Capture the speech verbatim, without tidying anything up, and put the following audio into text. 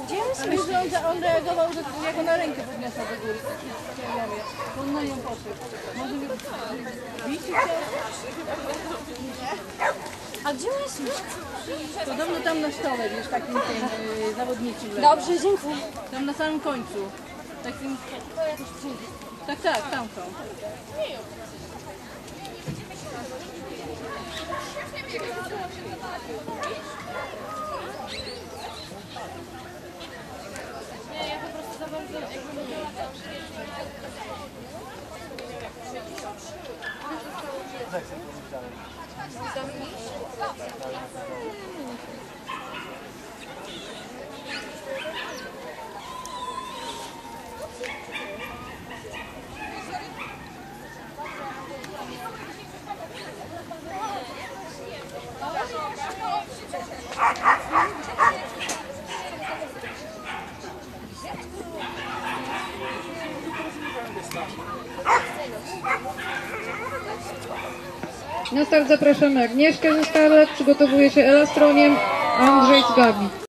Gdzie jest? Ale że on, on reagował, że ja go na rękę podniosła do góry. On na nią poszedł. Może mi bić chciał? A gdzie on jest? Podobno tam na stole, wiesz, takim tym yy, zawodniczym. Dobrze, dziękuję. Tam na samym końcu. Takim... Tak, tak, tam są. Nie, ja po prostu za bardzo jakby Na start zapraszamy Agnieszkę ze Scarlett, przygotowuje się Ela Stroniem, Andrzej z Gabi.